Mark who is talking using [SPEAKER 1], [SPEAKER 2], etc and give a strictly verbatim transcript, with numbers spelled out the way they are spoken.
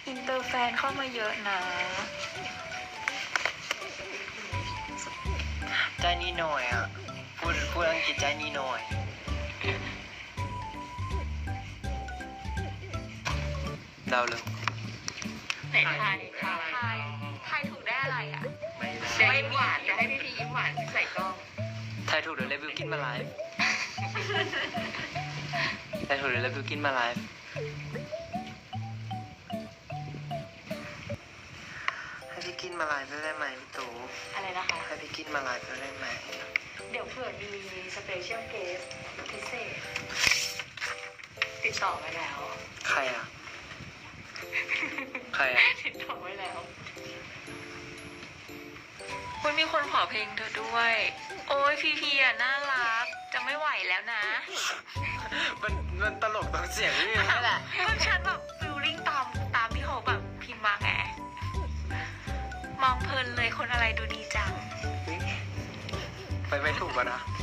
[SPEAKER 1] อินเตอร์แฟนเข้ามาเยอะนะ
[SPEAKER 2] ใจนี่หน่อยอ่ะพูดพูดอังกฤษใจนี่หน่อยเดาเลย
[SPEAKER 3] ไหนทายทายทายทายถูกได้อะไรอ่ะ
[SPEAKER 2] ไม่ได้
[SPEAKER 3] เดี๋ยวยิ้มหวานเดี๋ยวให้พี่พียิ้มหวานใส่กล้อง
[SPEAKER 2] ทายถูกเดี๋ยวเลวิวกินมาไลฟ์ทายถูกเดี๋ยวเลวิวกินมาไลฟ์ให้พี่กินมาไลฟ์ได้ไหมพี่ตู่
[SPEAKER 3] อะไรนะคะ
[SPEAKER 2] ให้พี่กินมาไลฟ์ได้ไหม
[SPEAKER 3] เดี๋ยวเผื่อมีสเปเชียลเกสพิเศษติดต่อไว้แล้ว
[SPEAKER 2] ใครอ่ะใครอ่ะ
[SPEAKER 3] ติดต่อไว้แล้ว
[SPEAKER 1] คุณมีคนขอเพลงเธอด้วย โอ้ยพีพีอ่ะน่ารักจะไม่ไหวแล้วนะ
[SPEAKER 2] มันมันตลกตรงเสียงนี่นี่แหละ
[SPEAKER 1] ก็ฉันแบบฟิลลิ่งตามตามที่เขาแบบพิมพ์มาไงมองเพลินเลยคนอะไรดูดีจัง
[SPEAKER 2] ไปไปถูกป่ะนะ